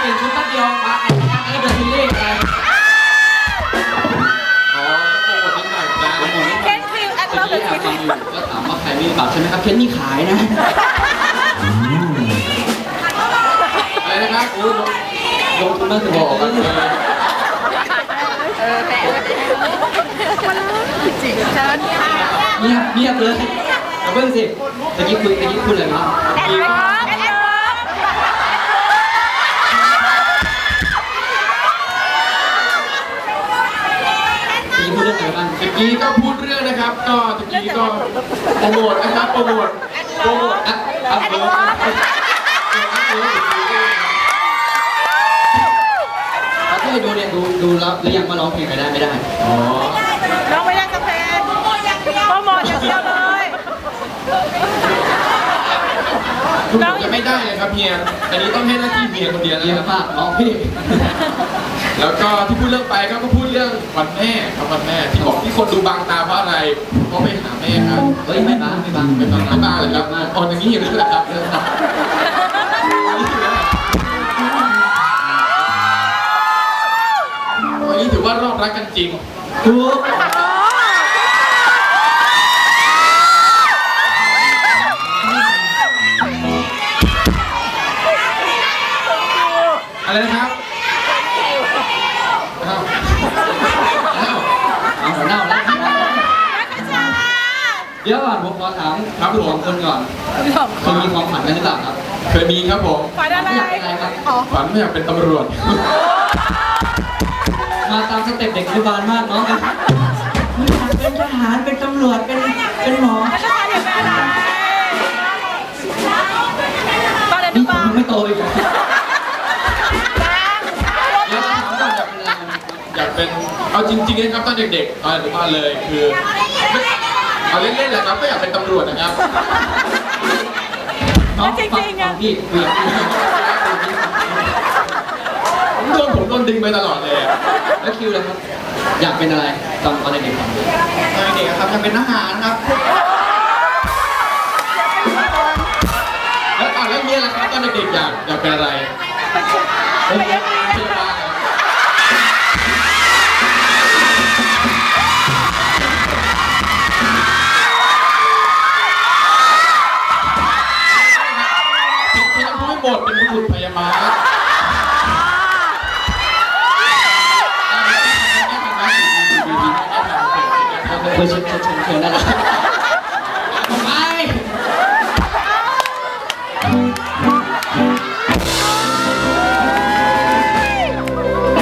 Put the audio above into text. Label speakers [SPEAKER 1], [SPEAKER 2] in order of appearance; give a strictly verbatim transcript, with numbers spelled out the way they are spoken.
[SPEAKER 1] เปลี่ยนชุดแป๊บเดียวมาอัดงานแล้วเดินซีรีส์ไป
[SPEAKER 2] อ๋อโปรโมทนิดหน่อยจ้าโปรโมทนิดหน่อย
[SPEAKER 3] เคนฟิลแอดเลิฟ
[SPEAKER 1] เมื่อกี้แอบฟังอยู่ก็ถามว่าใครมีบัตรใช่ไหมครับเคนนี่ขายนะ
[SPEAKER 2] อะไรนะครับโอ้ย
[SPEAKER 1] ลงทุนมากถึงบอกว่า
[SPEAKER 3] เออแปะจริงเชิญ
[SPEAKER 1] เงียบเงียบเลยเอาเพิ่งสิตะกี้คุยตะกี้พูดอะไรนะ
[SPEAKER 3] แอดเลิฟแอดเลิฟ
[SPEAKER 1] ตะกี้พูดเรื่องอะไรบ้าง
[SPEAKER 2] ตะกี้ก็พูดเรื่องนะครับ ก็ตะกี้ก็โปรโมทนะครับโปรโมทโปรโมท
[SPEAKER 1] อ่ะครับเลิฟเขาที่ดูเนี่ยดูดูแล้วหรือยังว่าร้องเพลงไปได้ไม่ได้
[SPEAKER 2] อ๋อ
[SPEAKER 3] น้องไม่ได้กาแฟโปรโมทอย่างเดียวโปรโมทอย่างเดียวเลย
[SPEAKER 2] คุณบอกจะไม่ได้เลยครับเฮียอันนี้ต้องให้หน้าที่เฮียคนเดียว
[SPEAKER 1] เย
[SPEAKER 2] นะค
[SPEAKER 1] อะ
[SPEAKER 2] รับ
[SPEAKER 1] มากน้องพี่
[SPEAKER 2] แล้วก็ที่พูดเรื่องไปก็ก็พูดเรื่องวันแม่ครับวันแม่ที่บอกที่คนดูบางตาเพราะอะไรเพราะไปหาแม่ครับ
[SPEAKER 1] เฮ้ยไม่บ้างไม่บ้าง
[SPEAKER 2] ไม่บางไม่บางเลยครับอ่อนอย่างนี้อยู่แล้วแหละครับวันนี้ถือว่ารอบรักกันจริง
[SPEAKER 1] ถูก
[SPEAKER 2] อะไรนะครับอ้าวอ้าว
[SPEAKER 1] เอาหัวหน้าแล้วเดี๋ยวก่อนผมขอถามครับคุณสองคนก่อนเคยมีความฝันกันหรือเปล่าครับ
[SPEAKER 2] เคยมีครับผม
[SPEAKER 3] ฝันอะไร
[SPEAKER 1] อยากเป็นอะไรครับ
[SPEAKER 2] ฝันไม่อยากเป็นตำรวจ
[SPEAKER 1] มาตามสเต็ปเด็กอนุบาลมากเนาะไม่อยากเป็นทหารเป็นตำรวจเป็นเป็นหมอ
[SPEAKER 3] แล้วจะทำอย่างไรตอนเด็ก
[SPEAKER 1] นี่
[SPEAKER 3] บ้า
[SPEAKER 1] ผมไม่โตอีกแล้วถามก่อนอยากเป็นอะไร
[SPEAKER 2] อยากเป็นเอาจริงๆนะครับตอนเด็กๆตอนอนุบาลเลยคือเอาเล่นๆแหละครับก็อยากเป็นตำรวจนะครับ
[SPEAKER 1] น้องฟังฟังพี่คุยกับพี่
[SPEAKER 2] ผมโดนผมโดนดึงไปตลอดเลยอะ
[SPEAKER 1] แล้วคิวเลยครับ อยากเป็นอะไรตอนตอนเด็กๆครับ
[SPEAKER 2] ตอนเด็กๆครับอยากเป็นทหารครับแล้วอ่ะแล้วเนี่ยล่ะครับตอนเด็กๆอยากอยากเป็นอะไรผมอยากเป็นพยาบาลที่เราพูดไม่หมดเป็นบุรุษพยาบาล
[SPEAKER 1] เคยเชิญเชิญเชิญได้แล้ว